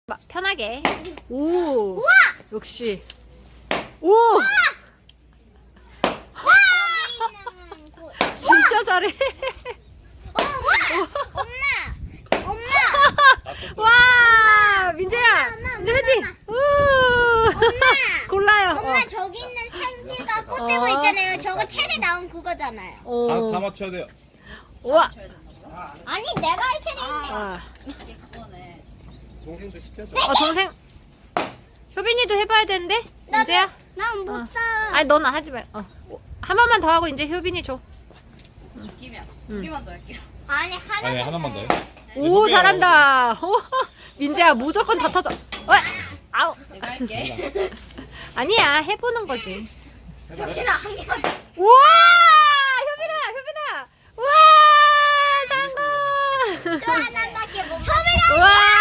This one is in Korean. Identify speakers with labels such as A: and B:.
A: 편하게. 오.
B: 우와!
A: 역시. 오.
B: 와!
A: 진짜 잘해.
B: 와! 엄마!
A: 와, 민재야.
B: 엄마,
A: 민재 헤딩. 오. 골라요.
B: 엄마 저기 있는 생쥐가 꽃대고 있잖아요. 저거 책에 나온 그거잖아요.
A: 오.
C: 다 맞춰야 돼요.
A: 와.
B: 아니 내가 할 책에 있네.
A: 아.
C: 동생도 시켜줘.
A: 동생. 효빈이도 해봐야 되는데. 민재야.
B: 난 못다.
A: 아니 너는 하지 말. 한 번만 더 하고 이제 효빈이 줘.
D: 이기면 두 개만 더 할게요.
B: 아니
C: 아니 하나만 더 해.
A: 오, 잘한다. 오, 민재야 무조건 다 터져. 아우.
D: 내가 할게.
A: 아니야, 해보는 거지.
D: 여기나 한 개만.
A: 우와, 효빈아. 우와, 성공.
B: 또 하나밖에 못. 협이랑
A: 우와.